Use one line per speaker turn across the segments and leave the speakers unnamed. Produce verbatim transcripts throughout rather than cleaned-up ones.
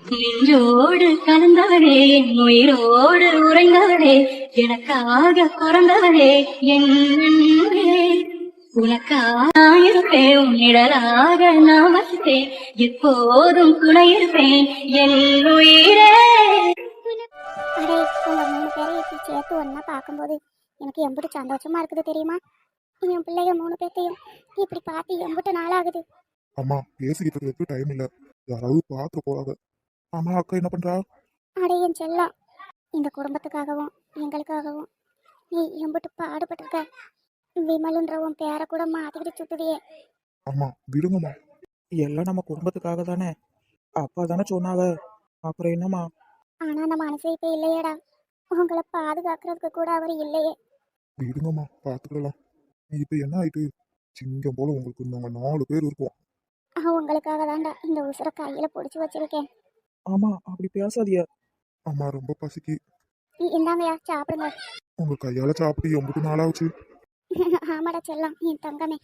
நெஞ்சோடு கலந்தவளே, என் உயிரோடு உறைந்தவளே, எனக்காக பிறந்தவளே என் அன்பே. உனக்காக இருப்பேன், உன் நிழலாக நான் வசித்தேன், எப்போதும் துணை இருப்பேன் என் உயிரே.
அடே, உங்க மூணு பேரை இப்படி சேர்த்து ஒன்னா பார்க்கும்போது எனக்கு எம்பிட்டு சந்தோஷமா இருக்குது தெரியுமா? என் பிள்ளைங்க மூணு பேர்த்தையும் இப்படி பார்த்து எம்பிட்டு நாளாகுது.
அம்மா பேசிக்கிட்டு இருக்கிறதுக்கு டைம் இல்ல, யாராவது பார்க்க போறாங்க. அம்மா அக்கா என்ன பண்றா?
அடே என் செல்லம், இந்த குடும்பத்துக்காகவும் எங்களுக்காகவும் நீ எம்பிட்டு பாடுபட்டிருக்க. விமலுன்ற உன் பேரை கூட மாத்திக்கிட்டு சுத்துதியே.
அம்மா விடுங்கம்மா.
எல்லாம் நம்ம குடும்பத்துக்காக தானே, அப்பா தானே சொன்னாங்க, அப்புறம் என்னம்மா?
ஆனா நம்ம மனசே இப்ப இல்லையேடா, உங்களை பாதுகாக்கிறதுக்கு கூட அவர் இல்லையே.
விடுங்கம்மா, பாத்துக்கலாம். இப்ப என்ன ஆயிட்டு, சிங்கம் போல உங்களுக்கு நாங்க நாலு பேர் இருப்போம்.
உங்களுக்காக தான்டா இந்த உசுரை கையில பிடிச்சி வச்சிருக்கேன்.
ஆமா, அப்படி பேசாதிய.
அம்மா ரொம்ப பசிக்கு.
இந்தாங்கயா சாப்பிடுங்க.
உங்க கையால சாப்பிட்டு எம்பிட்டு நாளாச்சு.
ஆமாடா செல்லம், என் தங்கமே.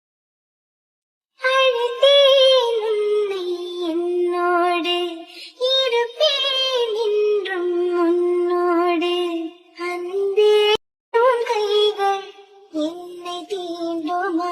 என்னோடு இருப்பேன் என்றும் உன்னோடு. அன்பே உன் கைகள் என்னை தீண்டுமா?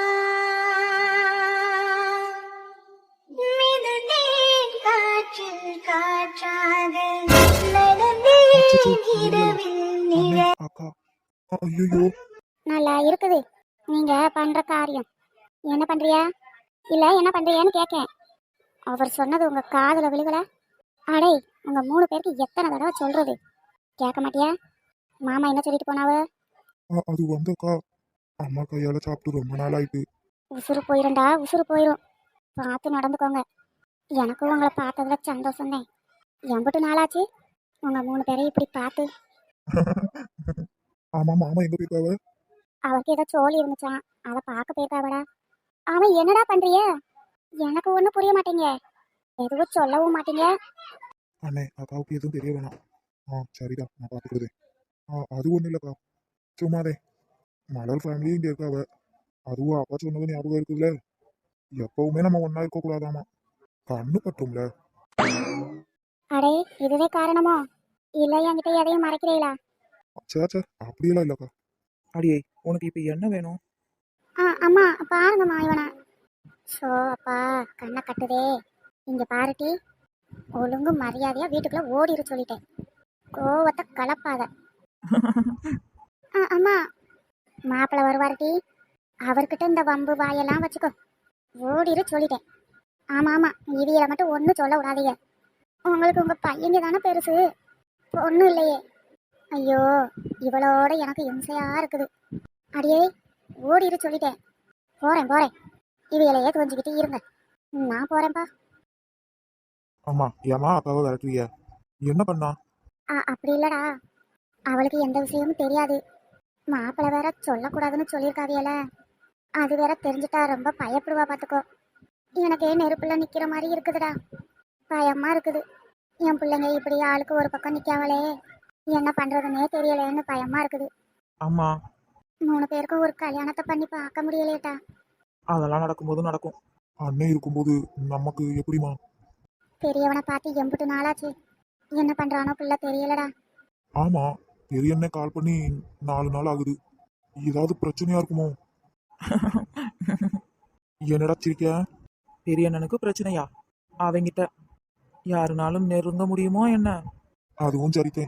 மிதந்தேன் காற்றில் காற்றாக, நடந்தேன் இரவில் நிழல்.
அக்கா ஐயோ,
நல்லா இருக்குது நீங்க பண்ற காரியம். என்ன பண்றியா இல்ல என்ன பண்றியான்னு கேட்கேன். அவர் சொன்னது உங்க காதுல விழுகல? அடே, உங்க மூணு பேருக்கு எத்தனை தடவை சொல்றது, கேட்க மாட்டியா? மாமா என்ன சொல்லிட்டு போனாவ?
அது வந்தக்கா, அம்மா கையால சாப்பிட்டு ரொம்ப நாள் ஆயிட்டு.
உசுறு போயிருண்டா, உசுறு போயிரும். பார்த்து நடந்துக்கோங்க. எனக்கும் உங்களை பார்த்ததுல சந்தோஷம்தான். எம்பிட்டு நாளாச்சு உங்க மூணு பேரையும் இப்படி பார்த்து.
ஆமா, மாமா எங்க போயிருக்காவ?
அவருக்கு ஏதோ சோழி இருந்துச்சான், அதை பார்க்க போயிருக்காவடா. அவன் என்னடா பண்றிய? எனக்கு ஒன்றும் புரிய மாட்டேங்க, எதுவும் சொல்லவும் மாட்டீங்க.
அண்ணே, அக்காவுக்கு எதுவும் தெரிய வேணாம். ஆ சரிடா, நான் பார்த்துக்கிறேன். ஆ அது ஒன்றும் இல்லைக்கா, சும்மாதே. மலர் ஃபேமிலியும் இங்கே இருக்காவ, அதுவும் அப்பா சொன்னது ஞாபகம் இருக்குல்ல, எப்பவுமே நம்ம ஒன்றா இருக்கக்கூடாதாமா, கண்ணு பட்டும்ல.
அடே, இதுவே காரணமோ? இல்லை என்கிட்ட எதையும் மறைக்கிறீங்களா?
சே சே, அப்படியெல்லாம் இல்லைக்கா.
அடியே, உனக்கு இப்ப என்ன வேணும்?
ஆ அம்மா பாருங்கம்மா இவனை. ஸோ அப்பா கண்ணை கட்டுதே. இங்கே பாருட்டி, ஒழுங்கு மரியாதையா வீட்டுக்குள்ள ஓடிரு சொல்லிட்டேன். கோவத்தை கலப்பாத. ஆ அம்மா, மாப்பிள்ளை வருவாருட்டி, அவர்கிட்ட இந்த வம்பு வாயெல்லாம் வச்சுக்கோ. ஓடிரு சொல்லிட்டேன். ஆமாம் ஆமாம், இவியலை மட்டும் ஒன்றும் சொல்ல விடாதீங்க. உங்களுக்கு உங்கள் பையங்க தானே பெருசு, ஒன்றும் இல்லையே. ஐயோ, இவளோட எனக்கு இம்சையா இருக்குது. அடியே ஓடிரு சொல்லிட்டேன். போறேன் போறேன், இவையிலையே கொஞ்சிக்கிட்டு இருங்க, நான் போறேன்ப்பா.
ஆமா, ஏமா அக்காவை விரட்டுவிய? என்ன பண்ணா?
ஆ அப்படி இல்லடா, அவளுக்கு எந்த விஷயமும் தெரியாது. மாப்பிள்ளை வேற சொல்லக்கூடாதுன்னு சொல்லியிருக்காவியல, அது வேற தெரிஞ்சுட்டா ரொம்ப பயப்படுவா பார்த்துக்கோ. எனக்கே நெருப்புல நிக்கிற மாதிரி இருக்குதுடா, பயமா இருக்குது. என் பிள்ளைங்க இப்படி ஆளுக்கு ஒரு பக்கம் நிக்காவளே, என்ன பண்றதுன்னே தெரியலேன்னு பயமா இருக்குது.
அம்மா,
மூணு பேருக்கும் ஒரு கல்யாணத்தை பண்ணி பார்க்க முடியலையேட்டா.
அதெல்லாம் நடக்கும்போது நடக்கும்.
அண்ணன் இருக்கும்போது நமக்கு எப்படிமா?
பெரியவனை பார்த்து எம்பிட்டு நாளாச்சு, என்ன பண்றானோ பிள்ளை தெரியலடா.
ஆமா, பெரிய அண்ணன் கால் பண்ணி நாலு நாள் ஆகுது, ஏதாவது பிரச்சனையா இருக்குமோ? என்னடா சிரிக்க?
பெரிய அண்ணனுக்கு பிரச்சனையா? அவங்கிட்ட யாருனாலும் நெருங்க முடியுமோ என்ன?
அதுவும் சரித்தேன்.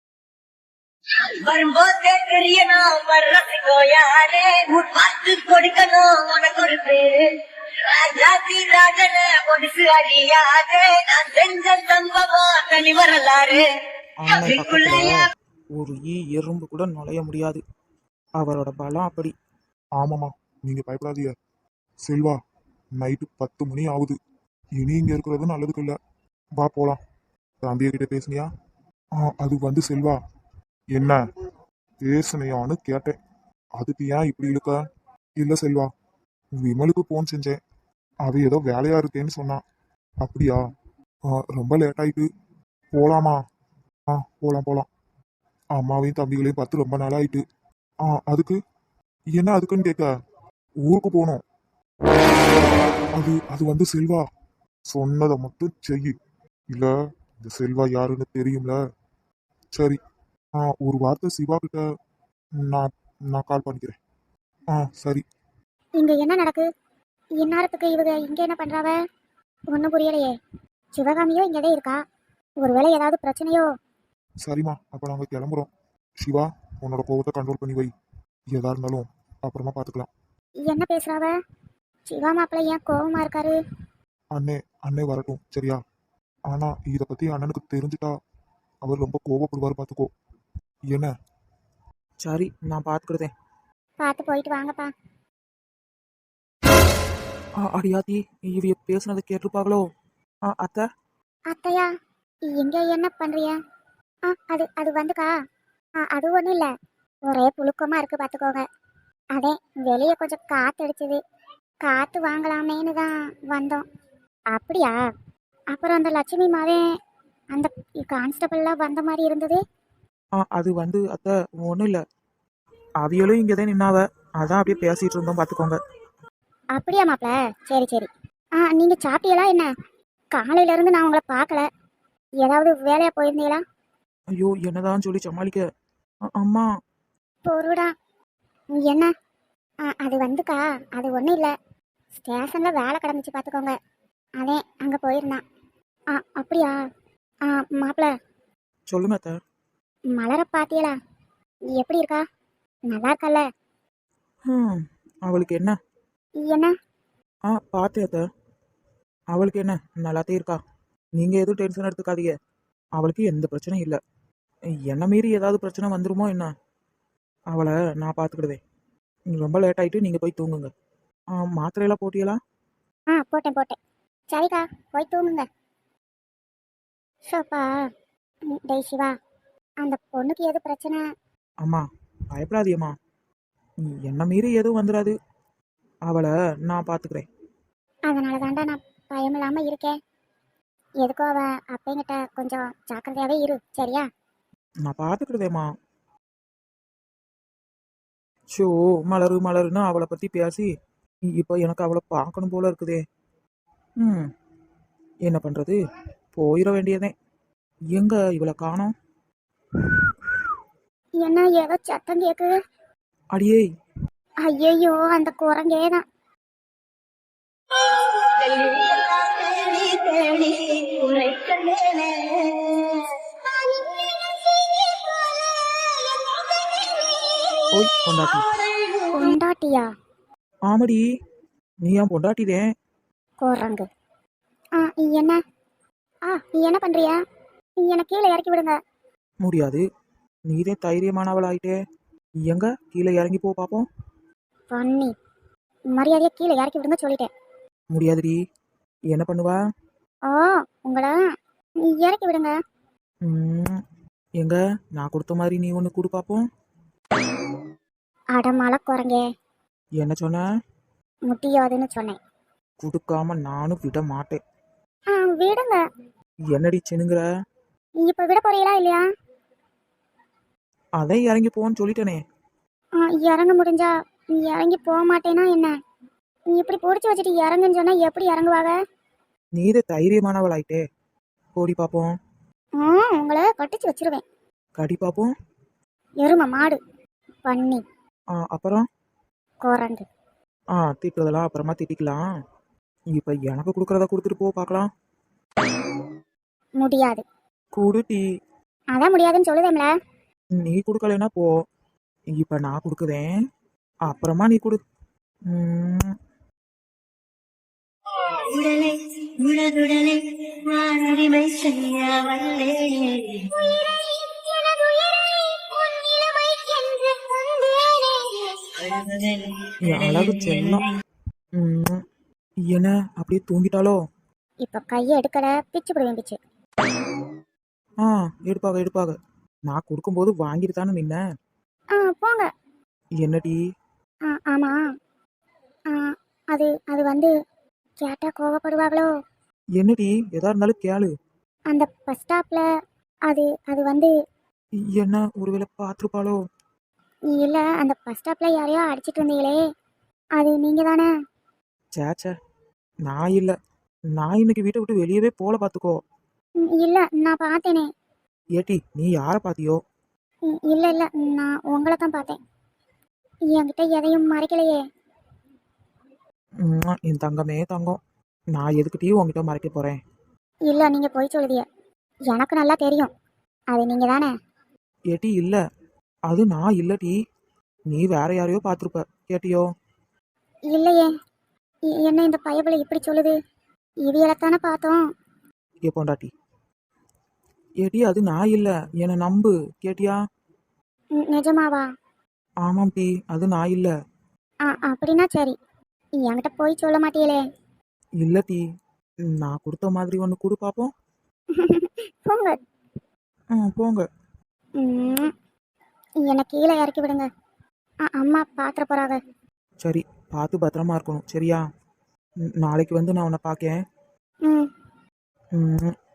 வரும்போதே தெரியணும் வர்றதுக்கோ யாரே, பார்த்து கொடுக்கணும் உனக்கு ஒரு பேரு. ராஜாதி ராஜன பொடிசு அறியாதே, நான் செஞ்ச சம்பவம் தனி வரலாறு.
அண்ணன் பக்கத்துல ஒரு ஈ எறும்பு கூட நுழைய முடியாது, அவரோட பலம் அப்படி.
ஆமாமா, நீங்க பயப்படாதீங்க. செல்வா, நைட்டு பத்து மணி ஆகுது, இனி இங்க இருக்கிறது நல்லதுக்கு இல்ல, வா போலாம். தம்பிய கிட்ட பேசுனியா? ஆ அது வந்து செல்வா, என்ன பேசுனியான்னு கேட்டேன், அதுக்கு ஏன் இப்படி இழுக்க? இல்ல செல்வா, விமலுக்கு போன் செஞ்சேன், அவ ஏதோ வேலையா இருக்கேன்னு சொன்னான். அப்படியா? ரொம்ப லேட் ஆயிட்டு, போலாமா? ஆ போலாம் போலாம். அம்மாவையும் தம்பிகளையும் பார்த்து ரொம்ப நாள் ஆயிட்டு. ஆ அதுக்கு என்ன அதுக்குன்னு கேட்க, ஊருக்கு போனோம். அது அது வந்து செல்வா, சொன்னதை மட்டும் செய், இல்ல இந்த செல்வா யாருன்னு தெரியும்ல. சரி, ஆ ஒரு வார்த்தை சிவா கிட்ட நான் நான் கால் பண்ணிக்கிறேன். ஆ சரி.
இங்க என்ன நடக்கு? இந்நேரத்துக்கு இவங்க இங்க என்ன பண்றாவ? ஒன்றும் புரியலையே. சிவகாமியோ இங்கதான் இருக்கா. ஒருவேளை ஏதாவது பிரச்சனையோ?
சரிம்மா, அப்ப நாங்க கிளம்புறோம். சிவா, உன்னோட கோவத்தை கண்ட்ரோல் பண்ணி வை. எதா இருந்தாலும் அப்புறமா பார்த்துக்கலாம்.
என்ன பேசுறாவ? சிவா மாப்பிள்ளை ஏன் கோவமா இருக்காரு?
அண்ணே அண்ணே வரட்டும் சரியா? ஆனா இத பத்தி அண்ணனுக்கு தெரிஞ்சுட்டா அவர் ரொம்ப கோவப்படுவார், பார்த்துக்கோ. என்ன?
சரி, நான் பார்த்துக்கிடுதேன்.
பார்த்து போயிட்டு வாங்கப்பா.
ஆ அடியாத்தி, இவைய பேசுனதை கேட்டிருப்பாங்களோ? ஆ அத்தை.
அத்தையா, இங்க என்ன பண்றிய? ஆ அது அது வந்துக்கா. ஆ அது ஒன்றும் இல்லை. ஒரே புழுக்கமா இருக்கு பார்த்துக்கோங்க. அதே வெளியே கொஞ்சம் காற்று அடிச்சது. காற்று வாங்கலாமேன்னு தான் வந்தோம். அப்படியா? அப்புறம் அந்த லட்சுமி மாவே அந்த கான்ஸ்டபிள்லாம் வந்த மாதிரி இருந்தது.
ஆ அது வந்து அத்தை ஒன்றும் இல்லை. அவியலும் இங்கே தான் நின்னாவ. அதான் அப்படியே பேசிட்டு இருந்தோம், பார்த்துக்கோங்க.
அப்படியா மாப்பிள்ள? சரி சரி. ஆ நீங்க சாப்பிட்டீங்களா என்ன? காலையில இருந்து நான் உங்களை பார்க்கல. ஏதாவது வேலையா போயிருந்தீங்களா?
ஐயோ, என்னதான் சொல்லி சமாளிக்க. அ, அம்மா.
பொருடா. என்ன? ஆ அது வந்துக்கா. அது ஒன்றும் இல்லை. ஸ்டேஷனில் வேலை கிடந்துச்சு பார்த்துக்கோங்க. அதே அங்கே போயிருந்தான். ஆ அப்படியா? ஆ மாப்பிள்ள,
சொல்லுங்க அத்தை.
மலரை பாத்தியலா? எப்படி இருக்கா? நல்லா இருக்கல்ல?
ம் அவளுக்கு என்ன?
என்ன?
ஆ பார்த்தேன் அத்தை. அவளுக்கு என்ன, நல்லாத்தே இருக்கா. நீங்கள் எதுவும் டென்ஷன் எடுத்துக்காதீங்க. அவளுக்கு எந்த பிரச்சனையும் இல்லை. என்ன மீறி ஏதாவது பிரச்சனை வந்துருமோ என்ன? அவளை நான் பார்த்துக்கிடுவேன். ரொம்ப லேட் ஆகிட்டு நீங்கள் போய் தூங்குங்க. ஆ மாத்திரையெல்லாம் போட்டியலா?
ஆ போட்டேன் போட்டேன். சரிக்கா, போய் தூங்குங்க. ஷோப்பா. ம், டேய் சிவா, அந்த பொண்ணுக்கு எது பிரச்சனை?
அம்மா, பயப்படாதியம்மா. என்ன மீறி எதுவும் வந்துடாது. அவளை நான் பார்த்துக்கிறேன்.
அதனால தாண்டா நான் பயம் இல்லாமல் இருக்கேன். எதுக்கோ அவ அப்பங்கிட்ட கொஞ்சம் ஜாக்கிரதையாகவே இரு, சரியா?
நான் பார்த்துக்கிடுதேம்மா. ஷோ, மலரு மலருன்னு அவளை பற்றி பேசி இப்போ எனக்கு அவளை பார்க்கணும் போல இருக்குதே. ம் என்ன பண்ணுறது, போயிட வேண்டியதே. எங்க இவளை காணோம்?
என்ன ஏதோ சத்தம் கேக்குது?
அடியே.
ஐயையோ, அந்த குரங்கே தான்.
எல்லாம் தேடி தேடி உரைக்கலேனே.
ஓய் பொண்டாட்டி.
பொண்டாட்டியா?
ஆமடி, நீ ஏன் பொண்டாட்டிதேன்?
குரங்கு. ஆ என்ன? ஆ என்ன பண்றியா? என்னை கீழே இறக்கி விடுங்க.
முடியாது, நீதே தைரியமானவளாயிட்டே. எங்க கீழே இறங்கி போ பார்ப்போம்.
பண்ணி மரியாதையை கீழே இறக்கி விடுங்க சொல்லிட்டேன்.
முடியாதுடி. என்ன பண்ணுவா?
ஓ, உங்களை இறக்கி விடுங்க.
ம் எங்க நான் கொடுத்த மாதிரி நீ ஒன்று கொடு பார்ப்போம்.
அடமால குரங்கே.
என்ன சொன்ன?
முடியாதுன்னு சொன்னேன்.
கொடுக்காம நானும் விட மாட்டேன்.
ஆ விடுங்க.
என்னடி சினுங்கிற?
இப்ப விட போறீங்களா இல்லையா?
அதை இறங்கி போன்னு சொல்லிட்டேனே.
ஆ, இறங்க முடிஞ்சா இறங்கி போக மாட்டேனா என்ன? நீ இப்படி பிடிச்சி வச்சுட்டு இறங்குன்னு சொன்னா எப்படி இறங்குவாங்க?
நீதே தைரியமானவளாயிட்டே. போடி பார்ப்போம்.
ஆ உங்களை கட்டிச்சு வச்சிருவேன்.
கடி பார்ப்போம்.
எருமை மாடு. பண்ணி
ஆ அப்புறம்?
குரங்கு.
ஆ திட்டுறதெல்லாம் அப்புறமா திட்டிக்கலாம். இப்போ எனக்கு கொடுக்குறத கொடுத்துட்டு போ பார்க்கலாம்.
முடியாது.
குடுட்டி.
அதான் முடியாதுன்னு சொல்லுதேம்ல.
நீ கொடுக்கலைன்னா போ. இப்போ நான் கொடுக்குறேன், அப்புறமா நீ கொடு. ம்,
உடலை உடலுடலை நான் உரிமை செய்ய வல்லேனே.
என் அழகு செல்லம். ம், என்ன அப்படியே தூங்கிட்டாலோ?
இப்ப கையை எடுக்கல, பிச்சு போடுவேன் பிச்சு.
ஆ எடுப்பாக எடுப்பாக. நான் கொடுக்கும்போது வாங்கிட்டு தானே நின்ன.
ஆ போங்க.
என்னடி?
ஆ ஆமா. ஆ அது அது வந்து கேட்டா கோவப்படுவாங்களோ?
என்னடி எதா இருந்தாலும் கேளு.
அந்த பஸ் ஸ்டாப்ல அது அது வந்து
என்ன ஒருவேளை பார்த்துருப்பாளோ?
இல்ல, அந்த பஸ் ஸ்டாப்ல யாரையோ அடிச்சிட்டு இருந்தீங்களே, அது நீங்க தானே?
சேச்சே, நான் இல்லை. நான் இன்னைக்கு வீட்டை விட்டு வெளியவே போல பார்த்துக்கோ.
ம், இல்ல நான் பார்த்தேனே.
ஏட்டி நீ யாரை பார்த்தியோ?
ம், இல்ல இல்ல நான் உங்களை தான் பார்த்தேன். என்கிட்ட எதையும் மறைக்கலையே.
ம்ம், என் தங்கமே தங்கம். நான் எதுக்கிட்டே உங்ககிட்ட மறைக்க போறேன்?
இல்ல நீங்க போய் சொல்லுதிய. எனக்கு நல்லா தெரியும். அது நீங்க தானே.
ஏட்டி இல்ல, அது நான் இல்லடி. நீ வேற யாரையோ பார்த்துருப்ப. கேட்டியோ?
இல்லையே. எ- என்ன இந்த பயபுல இப்படி சொல்லுது? இவியலைத்தானே பார்த்தோம்.
ஏ பொண்டாட்டி. ஏட்டி அது நான் இல்ல, என்னை நம்பு. கேட்டியா?
ம், நிஜமாவா?
ஆமாம் டி, அது நான் இல்ல.
ஆ அப்படின்னா சரி. என்கிட்ட போய் சொல்ல மாட்டீங்களே.
இல்ல டி, நான் கொடுத்த மாதிரி ஒன்று கொடு பார்ப்போம்.
போங்க.
ம் போங்க.
ம், என்னை கீழே இறக்கி விடுங்க. ஆ, அம்மா பாத்திர போறாங்க.
சரி, பார்த்து பத்திரமா இருக்கணும் சரியா? ம், நாளைக்கு வந்து நான் உன்னை பார்க்கேன்.
ம்
ம்